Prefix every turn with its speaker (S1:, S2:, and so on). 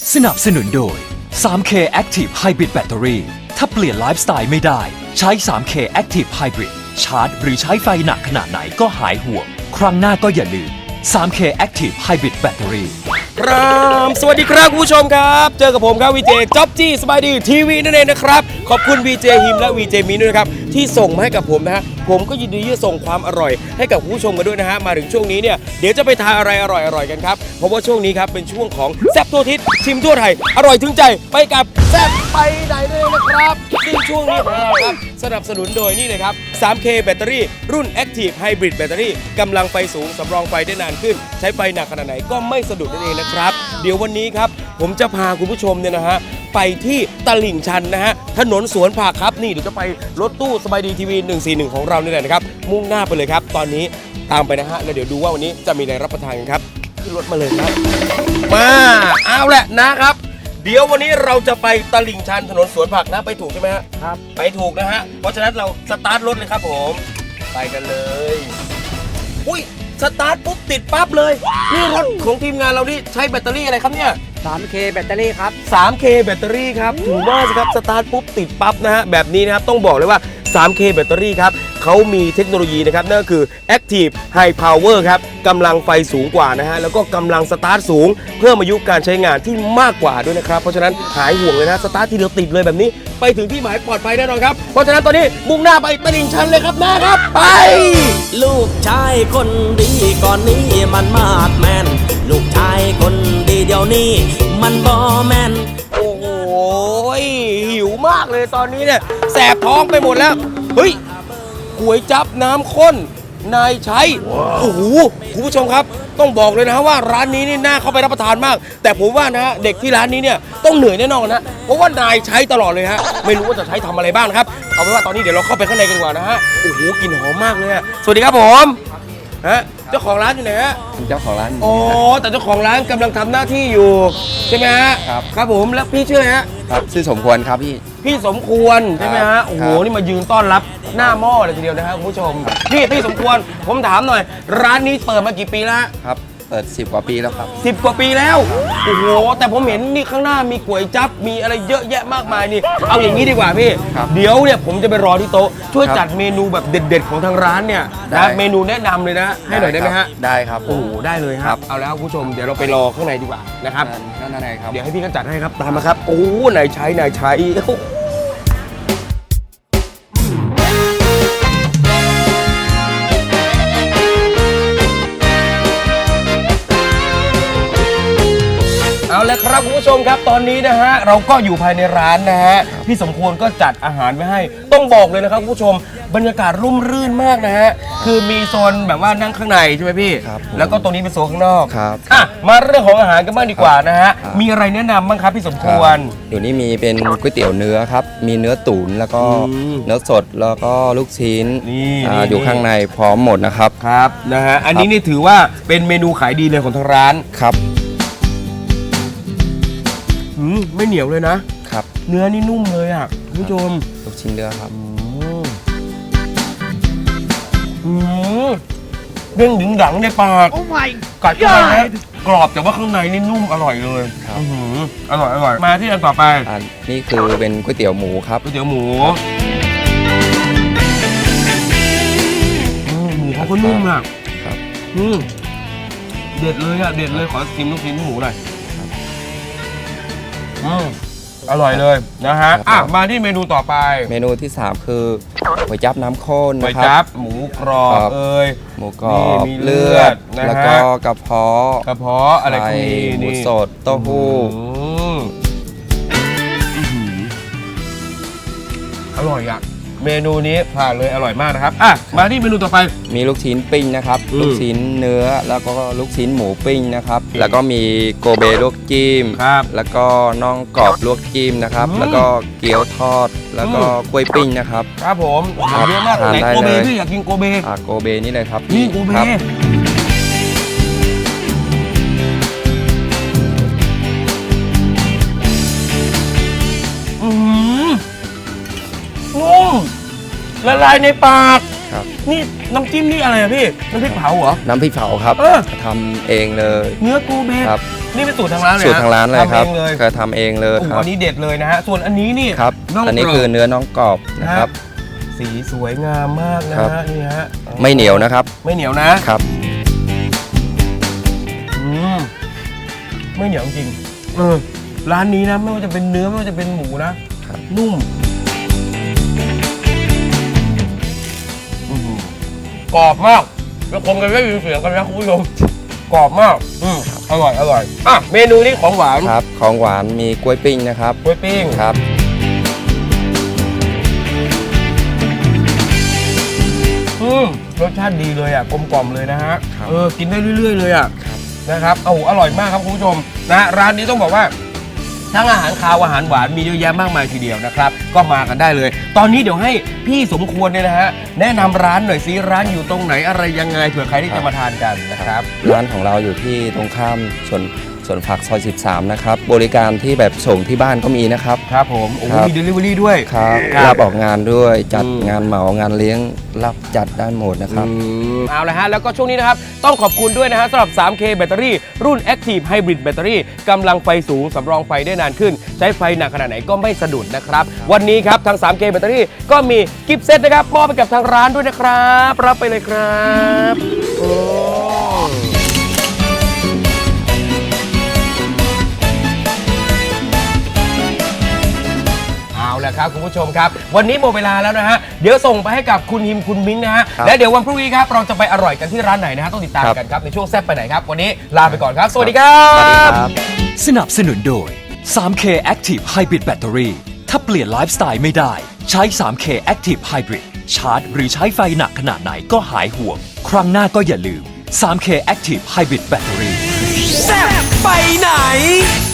S1: สนับสนุนโดย 3K Active Hybrid Battery ถ้าเปลี่ยนไลฟ์สไตล์ไม่ได้ ใช้ 3K Active Hybrid ชาร์จหรือใช้ไฟหนักขนาดไหนก็หายห่วง ครั้งหน้าก็อย่าลืม 3K Active Hybrid Battery
S2: ครับสวัสดีครับคุณผู้ชมครับเจอกับผมครับวีเจจ๊อบจี้สบายดีทีวีนั่นเองนะครับขอบคุณวีเจฮิมและวีเจมินด้วยนะครับที่ส่งมาให้กับผมนะฮะผมก็ยินดีที่จะส่งความอร่อยให้กับคุณผู้ชมกันด้วยนะฮะมาถึงช่วงนี้เนี่ยเดี๋ยวจะไปทานอะไรอร่อยๆกันครับเพราะว่าช่วงนี้ครับเป็นช่วงของแซ่บทั่วทิศชิมทั่วไทยอร่อยถึงใจไปกับแซ่บไปไหนเลยนะครับซึ่งช่วงนี้ของเราครับสนับสนุนโดยนี่เลยครับ 3K แบตเตอรี่รุ่น Active Hybrid แบตเตอรี่กำลังไฟสูงสำรองไฟได้นานขึ้นใช้ไฟหนักขนาดไหนก็ไม่สะดุดนั่นเองนะครับเดี๋ยววันนี้ครับผมจะพาคุณผู้ชมเนี่ยนะฮะไปที่ตลิ่งชันนะฮะถนนสวนผักครับนี่เดี๋ยวจะไปรถตู้สบายดีทีวี141ของเราเนี่ยแหละนะครับมุ่งหน้าไปเลยครับตอนนี้ตามไปนะฮะแล้วเดี๋ยวดูว่าวันนี้จะมีอะไรรับประทานกันครับขึ้นรถมาเลยครับมาเอาแหละนะครับเดี๋ยววันนี้เราจะไปตลิ่งชันถนนสวนผักนะไปถูกใช่ไหมฮะครับไปถูกนะฮะเพราะฉะนั้นเราสตาร์ทรถเลยครับผมไปกันเลยอุ้ยสตาร์ทปุ๊บติดปั๊บเลยนี่รถของทีมงานเรานี่ใช้แบตเตอรี่อะไรครับเนี่ย
S3: 3K แบตเตอรี่ครับ
S2: 3K แบตเตอรี่ครับถือว่าสิครับสตาร์ทปุ๊บติดปั๊บนะฮะแบบนี้นะครับต้องบอกเลยว่า 3K แบตเตอรี่ครับเขามีเทคโนโลยีนะครับนั่นก็คือ Active High Power ครับกำลังไฟสูงกว่านะฮะแล้วก็กำลังสตาร์ทสูงเพิ่มอายุการใช้งานที่มากกว่าด้วยนะครับเพราะฉะนั้นหายห่วงเลยนะสตาร์ททีเดียวติดเลยแบบนี้ไปถึงที่หมายปลอดภัยแน่นอนครับเพราะฉะนั้นตอนนี้มุ่งหน้าไปตลิ่งชันเลยครับนะครับไป
S4: ลูกชายคนดีก่อนนี้มันมาดแมนลูกชายคนดีเดี๋ยวนี้มันบอแมน
S2: โอ้โหหิวมากเลยตอนนี้เนี่ยแสบท้องไปหมดแล้วเฮ้ยก๋วยจั๊บน้ำข้นนายชัยโอ้โหคุณผู้ชมครับต้องบอกเลยนะว่าร้านนี้นี่น่าเข้าไปรับประทานมากแต่ผมว่านะเด็กที่ร้านนี้เนี่ยต้องเหนื่อยแน่นอนนะเพราะว่านายใช้ตลอดเลยฮะไม่รู้ว่าจะใช้ทำอะไรบ้างนะครับเอาเป็นว่าตอนนี้เดี๋ยวเราเข้าไปข้างในกันดีกว่านะฮะโอ้โหกลิ่นหอมมากเลยสวัสดีครับผมฮะเจ้าของร้านอยู่ไหนฮะ
S5: เจ้าของร้าน
S2: อ๋อแต่เจ้าของร้านกำลังทำหน้าที่อยู่ใช่ไหมฮะครับผมแล้วพี่ชื่ออะไรฮะ
S5: ครับชื่อสมควรครับพี่
S2: สมควรใช่ไหมฮะโอ้โห
S5: ครับ
S2: นี่มายืนต้อนรับหน้าหม้อเลยทีเดียวนะฮะคุณผู้ชมพี่สมควรผมถามหน่อย ร้านนี้เปิดมากี่ปีแล้ว
S5: ครับเปิด10 กว่าปีแล้วครับ
S2: 10 กว่าปีแล้วโอ้โหแต่ผมเห็นนี่ข้างหน้ามีก๋วยจั๊บมีอะไรเยอะแยะมากมายนี่เอาอย่างนี้ดีกว่าพี่
S5: ครับ
S2: เดี๋ยวเนี่ยผมจะไปรอที่โต๊ะช่วย
S5: ครับ
S2: จัดเมนูแบบเด็ดๆของทางร้านเนี่ย
S5: ได้
S2: นะเมนูแนะนำเลยนะให้หน่อยได้ไหมฮะ
S5: ได้ครับ
S2: โอ้โหได้เลยค
S5: ครั
S2: รับบ เอาแล้วคุณผู้ชมเดี๋ยวเราไปรอข้างในดีกว่านะครับ
S5: นั่นอะไรครับ
S2: เดี๋ยวให้พี่ก็จัดให้ครับตามมาครับโอ้นายใช้เอาละครับคุณผู้ชมครับตอนนี้นะฮะเราก็อยู่ภายในร้านนะฮะพี่สมควรก็จัดอาหารไว้ให้ต้องบอกเลยนะครับคุณผู้ชมบรรยากาศร่มรื่นมากนะฮะคือมีโซนแบบว่านั่งข้างในใช่ไหมพี่
S5: ครับผม
S2: แล้วก็ตรงนี้เป็นโซนข้างนอก
S5: ครับ
S2: อ่ะมาเรื่องของอาหารกันบ้างดีกว่านะฮะ
S5: ครับ
S2: มีอะไรแนะนำบ้างครับพี่สมควร
S5: เดี๋ยวนี้มีเป็นก๋วยเตี๋ยวเนื้อครับ มีเนื้อตุ๋นแล้วก็
S2: อืม
S5: เนื้อสดแล้วก็ลูกชิ้น
S2: นี่
S5: อยู่ข้างในพร้อมหมดนะครับ
S2: ครับนะฮะอันนี้นี่ถือว่าเป็นเมนูขายดีเลยของทางร้าน
S5: ครับ
S2: ไม่เหนียวเลยนะครับ เนื้อนี่นุ่มเลยอ่ะคุณผู้ชม
S5: ลูกชิ้นเนื้อครับ
S2: เด้งดึงดังในปากกัดเข้าไปนะกรอบแต่ว่าข้างในนี่นุ่มอร่อยเลย
S5: ครับ
S2: อร่อยมาที่อันต่อไป
S5: นี่คือเป็นก๋วยเตี๋ยวหมูครับ
S2: ก๋วยเตี๋ยวหมูหมูเขาก็นุ่มอ่ะ
S5: ครับ
S2: เด็ดเลยอ่ะเด็ดเลยขอชิมลูกชิ้นหมูหน่อยอร่อยเลยนะฮะ
S5: ครับ
S2: อ่ะมาที่เมนูต่อไป
S5: เมนูที่ 3 คือก๋วยจั๊บน้ำข้น
S2: ก๋วย
S5: นะค
S2: จั๊
S5: รับ
S2: หมูกรอบ
S5: ครับ
S2: เอ้ย
S5: หมูกรอบ
S2: นี่มีเลื
S5: เลื
S2: อ
S5: อ
S2: ด
S5: ด
S2: นะฮะ
S5: แล้วก็กระเพาะ
S2: กระเพาะอะไรก็
S5: ไข่
S2: มี
S5: หมู
S2: นี่
S5: สดเต้าหู้
S2: อร่อยอ่ะเมนูนี้ผ่านเลยอร่อยมากนะครับอ่ะมาที่เมนูต่อไป
S5: มีลูกชิ้นปิ้งนะครับ
S2: อืม
S5: ลูกชิ้นเนื้อแล้วก็ลูกชิ้นหมูปิ้งนะครับ แล้วก็มีโกเบลวกจิ้ม
S2: ครับ
S5: แล้วก็น่องกรอบลวกจิ้มนะครับ
S2: อืม
S5: แล้วก็เกี๊ยวทอด แล้วก็กล้วยปิ้งนะครับ
S2: ครับผม
S5: ครับ
S2: เยอะมาก
S5: ทาน
S2: ไหน
S5: ได้
S2: โกเบ
S5: เลย
S2: พี่อยากกินโกเบ
S5: โกเบนี่เลยครับ
S2: นี่โกเบ
S5: ครับ
S2: นุ่มละลายในปาก
S5: ครับ
S2: นี่น้ำจิ้มนี่อะไรอะพี่น้ำพริกเผาเหรอ
S5: น้ำพริกเผาครับ
S2: เออ
S5: ทำเองเลย
S2: เนื้อโกเบ
S5: ครับ
S2: นี่เป็นสูตรทางร้านเลย
S5: สูตรทางร้านเลยครับ
S2: ทำเองเลย
S5: ก็ทำเองเลย
S2: โอ้โห
S5: ครับ
S2: อันนี้เด็ดเลยนะฮะส่วนอันนี้นี่
S5: ครับ
S2: น่อง
S5: อันนี้
S2: กรบ
S5: คือเนื้อน้องกรอบนะครับ
S2: สีสวยงามมากนะ
S5: ครั
S2: ฮะ
S5: บ
S2: นี่ฮะ
S5: ไม่เหนียวนะครับ
S2: ไม่เหนียวนะครับ อืมไม่เหนียวจริงร้านนี้นะไม่ว่าจะเป็นเนื้อไม่ว่าจะเป็นหมูนะครับ นุ่มกรอบมากแล้วคงกันได้ยินเสียงกันนะคุณผู้ชมกรอบมากอร่อยอร่อยอ่ะเมนูนี้ของหวาน
S5: ครับของหวานมีกล้วยปิ้งนะครับ
S2: กล้วยปิ้ง
S5: ครับ
S2: รสชาติดีเลยอ่ะกลมกล่อมเลยนะฮะ
S5: ครับ
S2: กินได้เรื่อยๆเลยอ่ะ
S5: ครับ
S2: นะครับโอ้โหอร่อยมากครับคุณผู้ชมนะร้านนี้ต้องบอกว่าทั้งอาหารคาวอาหารหวานมีเยอะแยะมากมายทีเดียวนะครับก็มากันได้เลย ตอนนี้เดี๋ยวให้พี่สมควรเนี่ยนะฮะแนะนำร้านหน่อยซิร้านอยู่ตรงไหนอะไรยังไงเผื่อใครที่จะมาทานกันนะครับ
S5: ร้านของเราอยู่ที่ตรงข้ามสวนผักซอย 13 นะครับ บริการที่แบบส่งที่บ้านก็มีนะครับ
S2: ครับผมโอ้โห
S5: ครับ
S2: มี delivery ด้วย
S5: ครับ
S2: ครับ
S5: รับออกงานด้วยจัด
S2: อืม
S5: งานเหมางานเลี้ยงรับจัดได้หมดนะครับ
S2: เอาละฮะแล้วก็ช่วงนี้นะครับต้องขอบคุณด้วยนะฮะสำหรับ 3K แบตเตอรี่รุ่น Active Hybrid แบตเตอรี่กำลังไฟสูงสำรองไฟได้นานขึ้น ใช้ไฟหนักขนาดไหนก็ไม่สะดุดนะครับ วันนี้ครับทาง 3K แบตเตอรี่ก็มีกิฟต์เซตนะครับมอบไปกับทางร้านด้วยนะครับรับไปเลยครับโอ้เอาละครับคุณผู้ชมครับ วันนี้หมดเวลาแล้วนะฮะเดี๋ยวส่งไปให้กับคุณฮิมคุณมิ้งนะฮะ
S5: ครับ
S2: และเดี๋ยววันพรุ่งนี้ครับเราจะไปอร่อยกันที่ร้านไหนนะฮะต้องติดตาม
S5: ครับ
S2: กันครับในช่วงแซ่บไปไหนครับวันนี้ลาไปก่อนครับ สวัสดีครั
S5: สวัสดี
S2: บ
S5: ครับ
S1: สนับสนุนโดย 3K Active Hybrid Battery ถ้าเปลี่ยนไลฟ์สไตล์ไม่ได้ ใช้ 3K Active Hybrid ชาร์จหรือใช้ไฟหนักขนาดไหนก็หายห่วง ครั้งหน้าก็อย่าลืม 3K Active Hybrid Battery
S4: แซ่บไปไหน